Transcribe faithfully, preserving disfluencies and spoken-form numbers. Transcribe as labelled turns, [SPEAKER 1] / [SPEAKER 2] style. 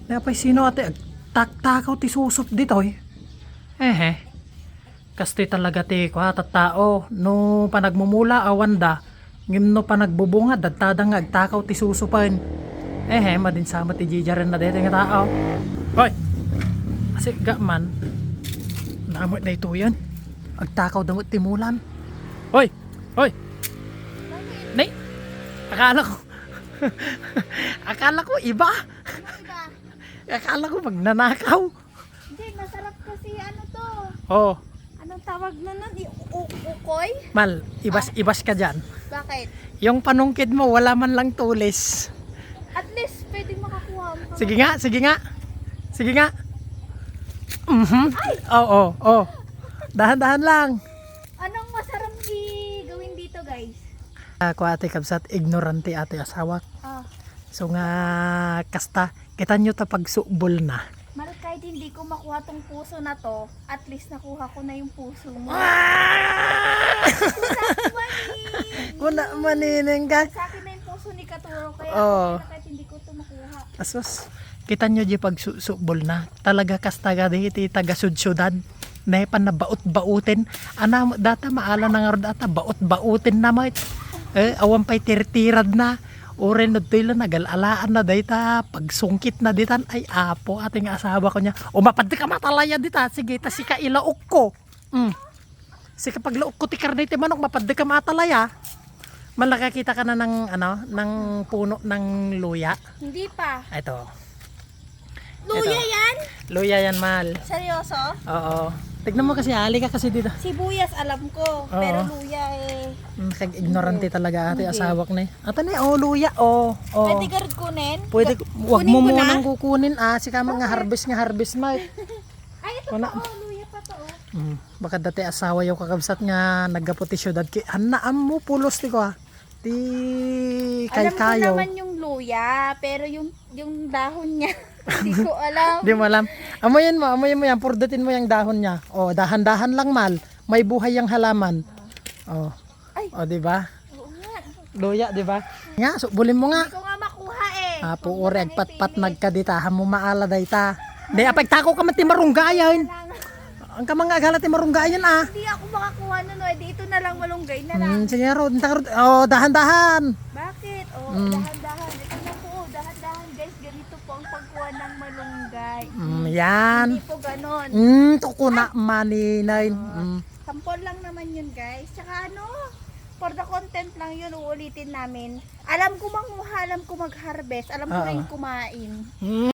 [SPEAKER 1] Napay sino ate tak-takaw ti susop ditoy. Eh, kastoy talaga ti ko tao no panagmumula awanda ngim no panagbubunga dadtada nga agtakaw ti susupan. Eh, madin sama ti jijaran na dito nga tao. Hoy. Kasi ga man namot na ito yan. Agtakaw damot ti mulam. Hoy. Hoy. Nay. Akala ko akala ko iba. Akala ko magnanakaw.
[SPEAKER 2] Hindi, masarap kasi ano to.
[SPEAKER 1] Oh.
[SPEAKER 2] Anong tawag na nun? I- u- ukoy?
[SPEAKER 1] Mal, ibas ibas ka dyan.
[SPEAKER 2] Bakit?
[SPEAKER 1] Yung panungkid mo wala man lang tulis.
[SPEAKER 2] At least pwedeng makakuha mo.
[SPEAKER 1] Sige nga, sige nga. Sige nga. Mhm. Oo, oh, oh. Dahan-dahan lang.
[SPEAKER 2] Anong masarap i- gawin dito, guys?
[SPEAKER 1] Ako ate kabsat ignorante ate asawa.
[SPEAKER 2] Ah,
[SPEAKER 1] So nga kasta kita nyo ta pagsubol na.
[SPEAKER 2] mal kahit hindi ko makuha tong puso na to, at least nakuha ko na yung puso mo.
[SPEAKER 1] Kuna manining ka.
[SPEAKER 2] Sa akin na yung puso ni Katuro, kaya
[SPEAKER 1] Oo.
[SPEAKER 2] okay na kahit hindi ko to makuha.
[SPEAKER 1] Asos. Kita nyo di pagsubol na. Talaga kasta ga di iti taga sud-syudad. Na pan na baot-bautin. Ana data maala na nga ro data baot-bautin na mo. Eh awan pay tirtirad na. Oren no tila nagalalaan na dayta pagsungkit na ditan ay apo ating asawa ko niya. O mapad ka matalaya dita. Sige ta sika ilaok ko. Mm. Sika paglaok ko ti karne ti manok mapad ka matalaya. Malakakita ka na ng ano ng puno ng luya.
[SPEAKER 2] Hindi pa.
[SPEAKER 1] Ito.
[SPEAKER 2] Luya
[SPEAKER 1] Ito.
[SPEAKER 2] yan?
[SPEAKER 1] Luya yan mal.
[SPEAKER 2] Seryoso?
[SPEAKER 1] Oo. Tignan mo kasi ali ka kasi dito.
[SPEAKER 2] Sibuyas alam ko, pero luya eh.
[SPEAKER 1] Nag-ignorante talaga ate
[SPEAKER 2] Hindi.
[SPEAKER 1] asawak ni. Ato ni oh luya oh. Oh.
[SPEAKER 2] Pwede ka rin kunin?
[SPEAKER 1] Pwede wag
[SPEAKER 2] Kunin
[SPEAKER 1] mo
[SPEAKER 2] ko na?
[SPEAKER 1] munang kukunin ah si kama nga harvest nga harvest mate.
[SPEAKER 2] Ay, ito
[SPEAKER 1] Wala.
[SPEAKER 2] pa oh, luya pa to oh.
[SPEAKER 1] Mm. Baka dati asawa yung kakabsat nga nagaputi syudad ki hanaam mo pulos ti ko ah. Ti kay
[SPEAKER 2] Alam ko
[SPEAKER 1] kayo.
[SPEAKER 2] naman yung luya, pero yung yung dahon niya, hindi ko alam.
[SPEAKER 1] Di mo alam. Amoyin mo, amoyin mo yan, purdutin mo yung dahon niya. Oh, dahan-dahan lang mal. May buhay yung halaman. Oh.
[SPEAKER 2] Ay.
[SPEAKER 1] Oh, di ba?
[SPEAKER 2] Oo nga.
[SPEAKER 1] Luya, di ba? Nga, subulin mo nga.
[SPEAKER 2] Hindi ko nga makuha eh.
[SPEAKER 1] Ah,
[SPEAKER 2] Huwag
[SPEAKER 1] puore,
[SPEAKER 2] mo nang
[SPEAKER 1] agpat-pat
[SPEAKER 2] ipilit.
[SPEAKER 1] nagkaditahan mo maala dayta. Di, apay tako ka man ti marunggayan.
[SPEAKER 2] Lang.
[SPEAKER 1] Ang kamang agala ti marunggayan ah.
[SPEAKER 2] Hindi ako makakuha nun, oh. Di ito na lang malunggay na lang.
[SPEAKER 1] Hmm, sige ro, oh, dahan-dahan.
[SPEAKER 2] Bakit? Oh,
[SPEAKER 1] Mm.
[SPEAKER 2] dahan-dahan. Ito na po, oh, dahan-dahan guys. Ganito po ang pagkuha ng malunggay.
[SPEAKER 1] Mm, yan.
[SPEAKER 2] Hindi po ganon.
[SPEAKER 1] Hmm, tuko na maninay. Mm.
[SPEAKER 2] Sampol lang naman yun guys. Tsaka ano, for the content lang yun, uulitin namin. Alam ko manguha, alam ko mag-harvest, alam ko
[SPEAKER 1] Oo.
[SPEAKER 2] rin kumain.
[SPEAKER 1] Hmm.